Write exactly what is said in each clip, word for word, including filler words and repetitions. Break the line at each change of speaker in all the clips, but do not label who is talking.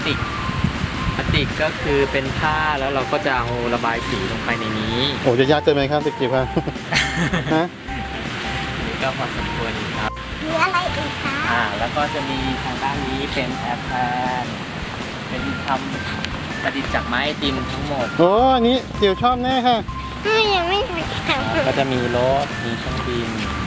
ติกพลาสติกก็คือเป็นผ้าแล้วเราก็จะเอาระบายสีลงไปในนี้
โอ้จะยากเกินไหมครับตะกี้ครับ ฮะ
นี่ก็พอสมควรครับ
มีอะไรอีกคะ
อ่าแล้วก็จะมีทางด้านนี้เป็นแอร์แพนเป็นทำประดิษฐ์จากไม้ไอติมทั้งหมด
โอ้อันนี้จิ๋วชอบแน่ค่ะ
อ้าวยังไม่เคยท
อ่าก็จะมีรถมีเครื่องบิน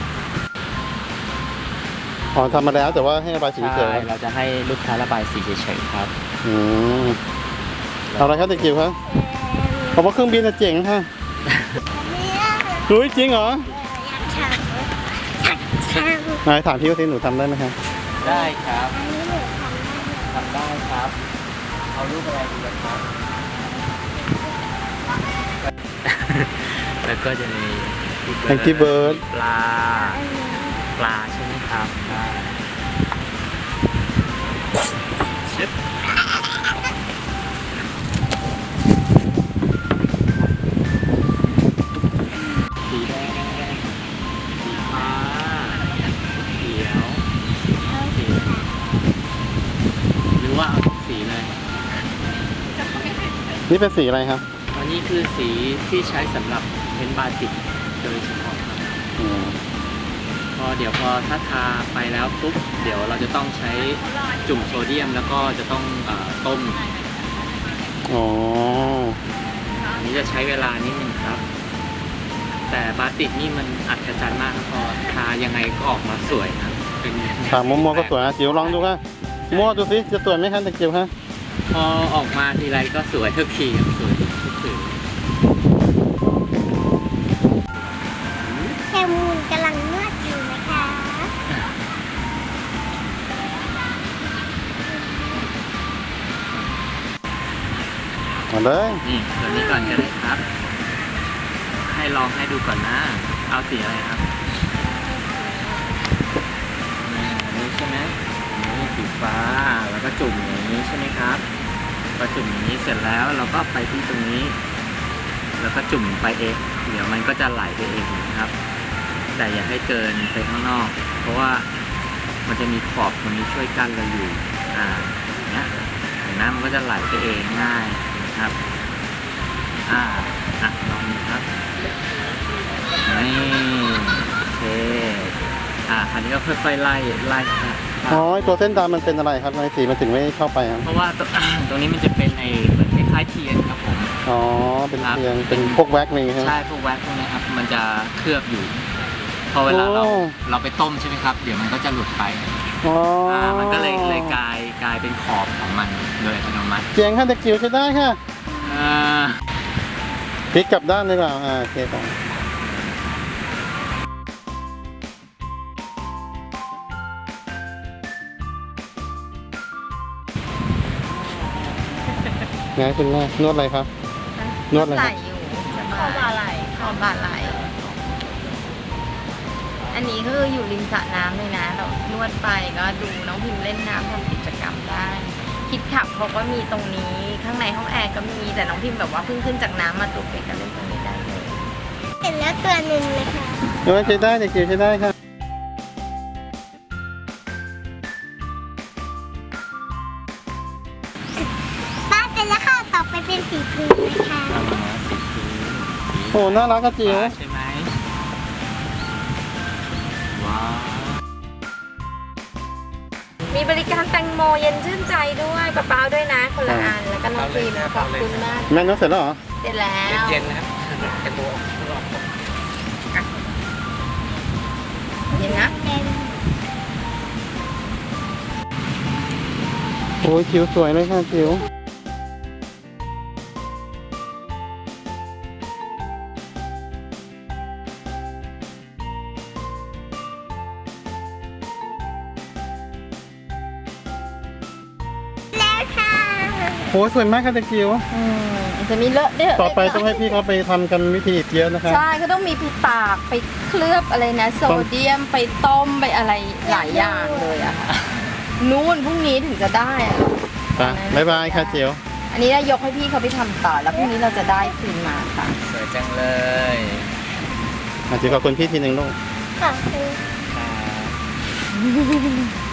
อ๋อทำมาแล้วแต่ว่าให้ระบายสีเฉ
ใช่
ย
เราจะให้ลูกค้าระบายสีเฉยๆครับ
อืมเอาอะไรครับตะกี้ครับ
ำ
ผมว่าเครื่องบินน่ะเจ๋งค่ะ
เนี่ย
รู้จริงเหรอ
อยากทำอยากทำ
ไหนถามพี่ว่าสิหนูทำได้ไหมครับ
ได้ครับ
อันนี้หนูทำได้ไหม
ทำได้ครับ เอารูปอะไรดีล่ะครับ แล้วก็จะมี
Angry Bird
ปลา ปลาใช่ไหมครับใช่ชิปสีแดง สีฟ้าเขียวสีหรือว่าเอาทุกสีเลย
นี่เป็นสีอะไรครับ
อันนี้คือสีที่ใช้สำหรับเพ้นท์บาติกโดยเฉพาะครับ
อืม
พอเดี๋ยวพอถ้าทาไปแล้วปุ๊บเดี๋ยวเราจะต้องใช้จุ่มโซเดียมแล้วก็จะต้องเอ่อต้ม
อ๋อ
อันนี้จะใช้เวลานิดนึงครับ แต่บาติกนี่มันอัศจรรย์มากครับพอทายังไงก็ออกมาสวยครับเป็น
ถามมัวๆก็สวยนะจิ๋วลองดูค่ะมั่วดูสิจะสวยไหมครับตะกี้ครับ
พอออกมาทีไรก็สวยทุกทีครับสวยทุกที
แคมูนกำลังนวดอยู่นะคะ
มาเลย
นี่ตัวนี้ก่อนก็ได้ครับ ให้ลองให้ดูก่อนนะ เอาสีอะไรครับนี่อันนี้ใช่ไหมอันนี้สีฟ้า แล้วก็จุ่มอย่างนี้ใช่ไหมครับพอจุ่มอย่างนี้เสร็จแล้วเราก็ไปที่ตรงนี้ แล้วก็จุ่มไปเองเดี๋ยวมันก็จะไหลไปเองนะครับ แต่อย่าให้เกินไปข้างนอก เพราะว่ามันจะมีขอบตรงนี้ช่วยกั้นเราอยู่ อ่าอย่างเนี้ยเห็นไหมมันก็จะไหลไปเองง่ายนะครับ อ่าอ่ะลองดูครับนี่โอเคอ่าคราวนี้ก็ค่อยๆไล่ไล่ครับ
อ๋อไอ้ตัวเส้นดำมันเป็นอะไรครับทำไมสีมันถึงไม่เข้าไปครับ
เพราะว่าตรง ตรงนี้มันจะเป็นไอ้เหมือนคล้ายๆเทียนครับผม
อ๋อเป็น
ครับ
เพียงเป็นพวกแว็กซ์นี่ใช่ไหม
ใช่พวกแว็กพวกนี้ครับมันจะเคลือบอยู่ พอเวลาเรา
โอ้
เราไปต้มใช่ไหมครับ เดี๋ยวมันก็จะหลุดไป
อ๋ออ่
ามันก็เลยเลยกลายกลายเป็นขอบของมันโดยอัตโนมัติ
เจ๋งค่ะตะกี้ใช้ได้ค่ะ
อ่า
พลิกกลับด้านดีกว่าอ่าโอเคครับไงคุณแม่นวดอะไรครับ นวดอะไร
ไห
ค
ล
รับ
อยู่คอบาไหลคอบาไหล อันนี้ก็คืออยู่ริมสระน้ำเลยนะ เรานวดไปก็ดูน้องพิมเล่นน้ำทำกิจกรรมได้ คิดขับเขาก็มีตรงนี้ ข้างในห้องแอร์ก็มี แต่น้องพิมแบบว่าเพิ่งขึ้นจากน้ำมาตัวเป็ดก็เล่นตรงนี้ได้เลย
เสร็จแล้วตัวหนึ่งเลยค่ะ
นวดใช้ได้ตะกี้ใช้ได้ค่ะ
ป้าเสร็จแล้วค่ะ ต่อไปเป็นสีพื้นนะคะ
เอามาสีพื้นสี
โอ้น่ารักกระจิ๋ว
ฟ้าใช่ไหมว้าว
มีบริการแตงโมเย็นชื่นใจด้วยปะเป้าด้วยนะ คนละอัน แล้วก็น้องพิมขอบคุณมาก
แม่นวดเสร็จแล้วเหรอ
เสร็จแล้ว
เย็นๆนะครับเป็นตัวออกตัวออก
เย็นนะ
เป็น
โอ้ยจิ๋วสวยเลยค่ะจิ๋ว
แล้วค่ะ
โอ้ยสวยมากค่ะตะกิ้ว
อืมจะมีเลอะด้วย
ต่อไปต้องให้พี่เขาไปทำกันวิธีอีกเยอะนะครับ
ใช่ก็ต้องมีไปตากไปเคลือบอะไรนะ โซเดียมไปต้มไปอะไรหลายอย่างเลยอะค่ะนู่นพรุ่งนี้ถึงจะได้อะ
ไปบ๊ายบายค่ะจิ๋ว
อันนี้ได้ยกให้พี่เขาไปทำต่อแล้วพรุ่งนี้เราจะได้คืนมาค่ะ
สวยจังเลย
อ่ะจิ๋วขอบคุณพี่ทีหนึ่งลูก
ค่ะ
ครับ